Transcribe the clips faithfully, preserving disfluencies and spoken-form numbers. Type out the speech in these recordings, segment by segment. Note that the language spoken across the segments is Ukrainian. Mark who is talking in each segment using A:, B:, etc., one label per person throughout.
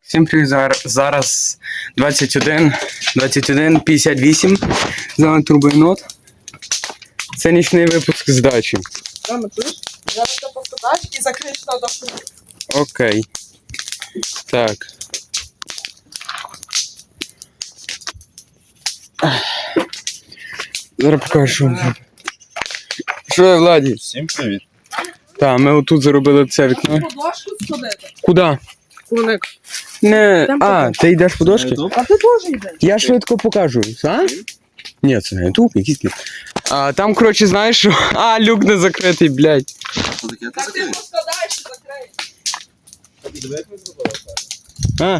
A: Всім привіт, зараз, зараз двадцять один, двадцять один п'ятдесят вісім, з вами Турбоєнот. Це нічний випуск з дачі.
B: Мама, чуєш? Зараз ти поскладаєш і закриєш на дошку.
A: Окей. Так. Зараз покажу. Що я, Владі?
C: Всім привіт.
A: Так, ми отут заробили це вікно.
B: По дошку сходити.
A: Куди?
B: Куник.
A: Не...
B: Там
A: А, ти йдеш по дошки?
B: А ти теж йдеш?
A: Я швидко покажу. А? Ні, це не ютуб, якийсь кіт. А там, коротше, знаєш, що... А, люк не закритий, блядь.
C: Що таке?
B: Так ти поскладаєш і закриєш.
C: Диви, як ми зробили це.
A: А?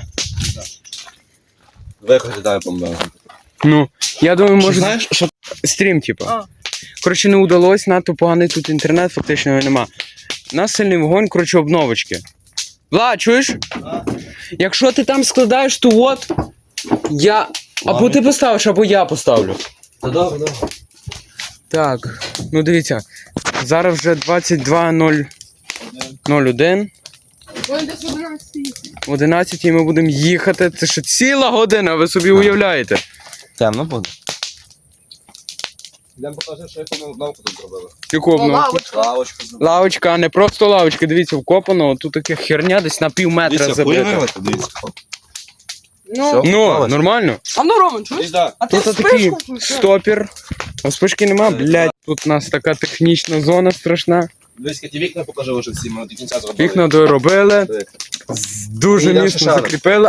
C: Виходи, дай помогу.
A: Ну, я думаю, може...
C: Знаєш, що...
A: Стрім, типу.
B: А.
A: Коротше, не удалось, надто поганий тут інтернет, фактично його нема. У нас сильний вогонь, коротше, обновочки. Влад, чуєш?
C: А?
A: Якщо ти там складаєш, то от, я... Або ти поставиш, або я поставлю.
C: Та добре, добре.
A: Так, ну дивіться, зараз вже двадцять два нуль один.
B: Ой, десь одинадцять.
A: В одинадцятій ми будемо їхати. Це ще ціла година, ви собі уявляєте.
C: Темно буде. Йдемо покажемо, що яку навку тут зробили.
A: Яку обновку?
B: Лавочка.
C: Лавочку зробили.
A: Лавочка, а не просто лавочка, дивіться, вкопано, тут таке херня десь на пів метра
C: Дивіться,
A: забита.
C: хуєвилити, дивіться.
B: Ну,
C: Все.
A: Ну,
C: Лавочка.
A: нормально.
B: а ну, Роман, чуєш?
C: Десь так.
B: А ти
A: Тут такий
B: спишку включив?
A: стопір. А спишки нема, блядь. Тут у нас така технічна зона страшна.
C: Дивись, ті вікна покажи вже всі, ми до кінця зробили.
A: Вікна доробили,
C: Диви.
A: з- дуже
C: Йдемо
A: міцно
C: ще шаром.
A: закріпили.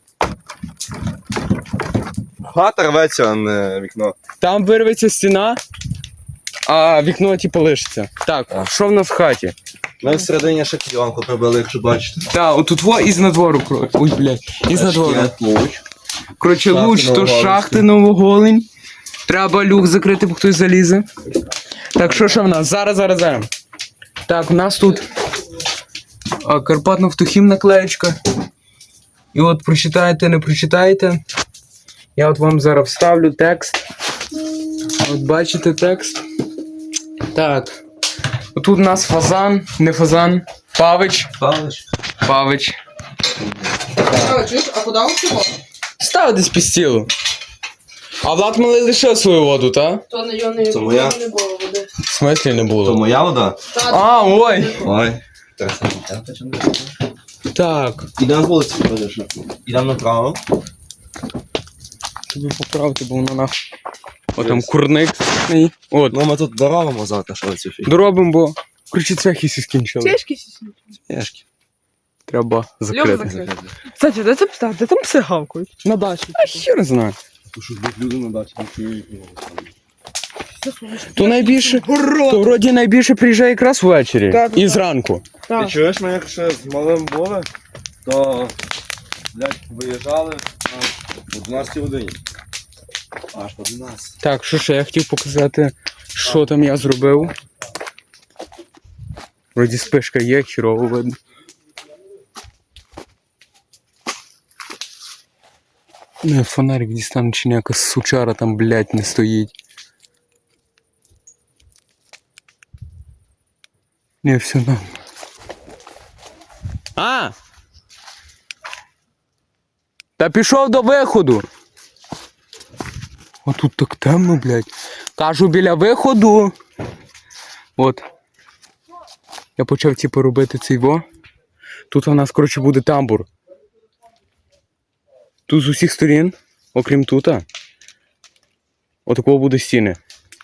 C: Хата рветься, а не вікно.
A: Там вирветься стіна, а вікно типу лишиться. Так,
C: Так.
A: що в нас в хаті?
C: Ми всередині ще кліонку прибили, якщо бачите.
A: Так, отут во із надвору, коротше. Ой, блядь, із надвору.
C: Шкіт, луч.
A: Коротше,
C: Шахти
A: луч, то
C: Новоголинські.
A: шахти Новоголинь. Треба люк закрити, бо хтось залізе. Так, що ще в нас? Зараз, зараз, зараз. Так, у нас тут а, Карпатно-Втухім наклеєчка. І от прочитаєте, не прочитаєте. Я от вам зараз вставлю текст. От бачите текст. Так. Отут у нас фазан, не фазан. Павич.
C: Павлич.
A: Павич.
B: А, чуєш, а куди ви цього?
A: Став десь під стілу. А Влад малий лишив свою воду, та?
B: То не, його не,
C: Це моя.
B: не було води.
A: В смислі не
C: То
A: було?
C: моя вода?
B: Та,
A: А, ой!
C: Ой.
A: Так.
C: Ідемо на вулиці, подивиш. Ідемо направо.
A: Тобі поправити, бо воно нах. О, там курник. страшний. От.
C: Ну ми тут доробимо завтра, що цю фігню.
A: Доробимо, бо ключі цвяхи всі скінчили.
B: Чешки сісні.
C: Пішки.
A: Треба закрити.
B: закрити. Кстати, де це пса? Де там пси гавкають? На дачі.
A: А хер знає.
C: Тому що люди на дачі не чують його.
A: То найбільше, то вроді найбільше приїжджає якраз ввечері.
B: Так,
A: І
B: так.
A: зранку.
C: Ти чуєш, ми як ще з малим були, то, блядь, виїжджали аж о дванадцятій годині. Аж по дванадцятій.
A: Так, що ще я хотів показати, що там я зробив. Вроді спишка є, хірово видно. Не, фонарик дістану, чи ніяка сучара там, блядь, не стоїть. Не, все норм. А! Та пішов до виходу. А тут так темно, блядь. Кажу, біля виходу. От. Я почав типу робити цей во. Тут у нас, коротше, буде тамбур. Тут з усіх сторін, окрім тута, отакого буде стіни.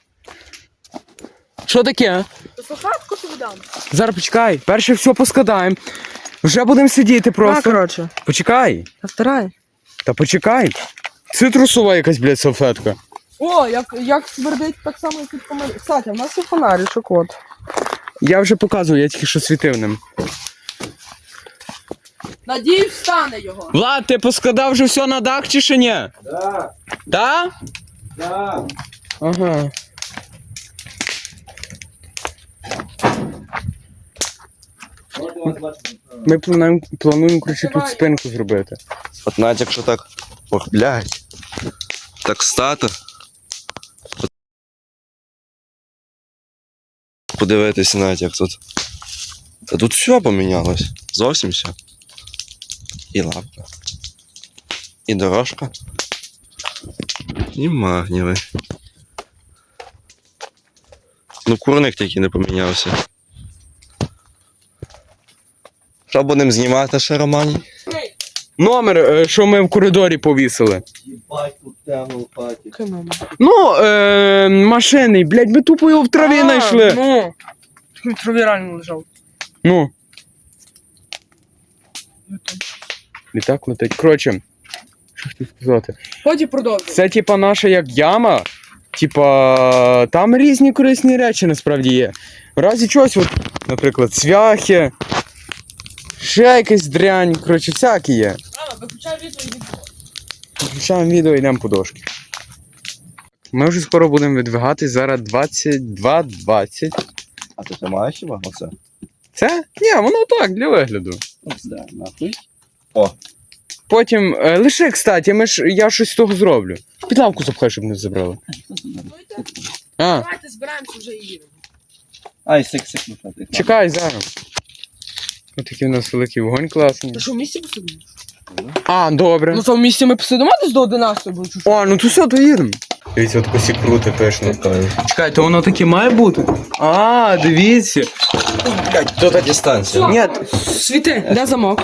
A: Що таке?
B: Слухатку тобі дам.
A: Зараз почекай, перше все поскладаємо. Вже будемо сидіти просто.
B: коротше.
A: Почекай.
B: Повторяй.
A: Та почекай. Цитрусова якась, блядь, салфетка.
B: О, як, як смердить так само, як від фонарі. Кстати, в нас є фонаричок, от.
A: Я вже показую, я тільки що світив ним.
B: Надіюсь, встане його.
A: Влад, ти поскладав вже все на дах чи ще ні?
C: Да,
A: Так?
C: да.
A: Ага. Ми плануємо, плануємо коротше, тут спинку зробити.
C: От навіть якщо так, ох, блядь, так стати. Подивитися навіть як тут. Та тут все помінялось. Зовсім все. І лавка. І дорожка. І магніви. Ну, курник тільки не помінявся. Що будемо знімати ще, Романі?
A: Номер, е, що ми в коридорі повісили.
C: Їбать, тут темно в хаті.
B: Який номер?
A: Ну, е, машини, блядь, ми тупо його в траві
B: А,
A: знайшли.
B: Ну, такий в траві реально лежав.
A: Ну. Літак летить. Коротше, що хотів сказати.
B: Потім продовжуй.
A: Це типа наша як яма. Типа, там різні корисні речі насправді є. В разі чогось, от, наприклад, цвяхи, ще якась дрянь, коротше, всякі є.
B: Рано, виключай відео і відео.
A: Включаємо відео і йдемо по дошки. Ми вже скоро будемо відвигатись, зараз двадцять два двадцять.
C: А ти тримаєш хіба оце?
A: Це? Ні, воно так, для вигляду.
C: Ось де, нахуй.
A: Потім, е, лише, кстати, ми ж, я щось з того зроблю. Під лавку запхай, щоб не забрали. А,
B: Давайте збираємося вже і їдемо.
C: Ай, сик-сик, ну ти.
A: чекай зараз. Ось такий у нас великий вогонь класний.
B: Ти що, в місті посидимо?
A: А, добре.
B: Ну, то в місті ми посидимо десь до одинадцятої, бо чужу.
A: О, ну то все, то їдемо. Дивіться, от косі круто пишно. Чекай, то воно таке має бути? А, дивіться. Блядь, то так.
C: Дистанція.
A: Ні,
B: Світи, де замок?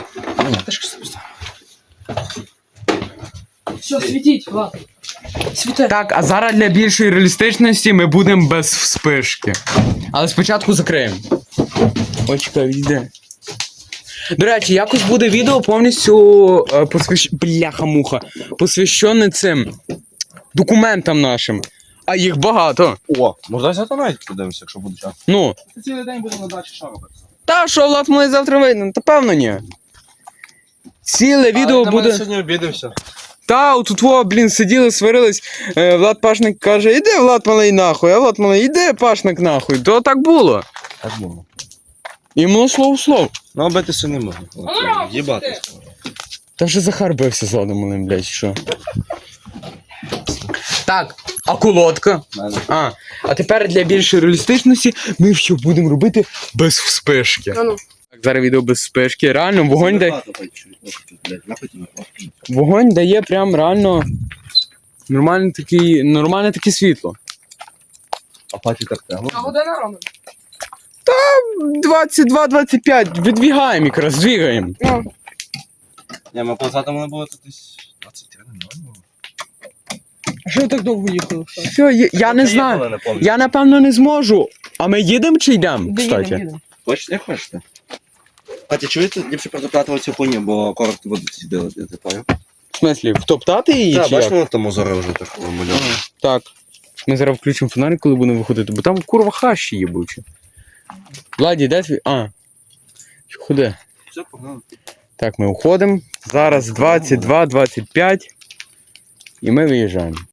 B: Все, світіть, ладно. Світи.
A: так, а зараз для більшої реалістичності ми будемо без вспишки. Але спочатку закриємо. Ой, чекай, йде. До речі, якось буде відео повністю е, посвящ... бляха-муха, посвящене цим документам нашим. А їх багато.
C: О, можна взяти навіть подивимося, якщо буде час.
A: Ну.
C: Цілий день будемо на дачі що робити.
A: Та що, Влад, ми завтра вийдемо? Та певно ні. Ціле відео буде.
C: сьогодні обідемося.
A: Та, от тут, блін, сиділи, сварились. Е, Влад Пашник каже, іди, Влад малий нахуй, а Влад малий, іди, Пашник нахуй. То так було.
C: Так було.
A: І було слово в слово.
C: Ну, битися не можна.
B: Ромко,
C: Їбати.
A: Та вже Захар бився з Владом малим, блядь, що. Так, а колодка? А, а тепер для більшої реалістичності ми що будемо робити без вспишки.
B: А ну.
A: Так, зараз відео без вспишки. Реально, вогонь дає, вогонь дає прям реально нормальне таке, нормальне таке світло.
C: А паті так тягнув.
B: А година, Роман?
A: двадцять два двадцять п'ять, відвігаємо якраз, двігаємо.
B: Ну.
C: Ні, ми позаду мене було тут десь двадцять три, не було.
B: А що ви так довго їхали? що?
A: Все, я, я не знаю. Я напевно не зможу. А ми їдемо чи йдемо,
B: Де
A: кстати?
B: їдемо, їдемо.
C: Хочете, як хочете. Паті, чуєте, ліпше протоптати оцю хуйню, бо коротко воду сиділи, я ти поняв?
A: В смислі, втоптати її
C: Так,
A: чи
C: бачиш,
A: як?
C: воно там озоро вже так мальовано.
A: Так. Ми зараз включимо фонарик, коли будемо виходити, бо там курва хащі їбучі. Владі, де твій? А. Ходи.
C: Все, погнали.
A: Так, ми уходимо. Зараз двадцять два двадцять п'ять. І ми виїжджаємо.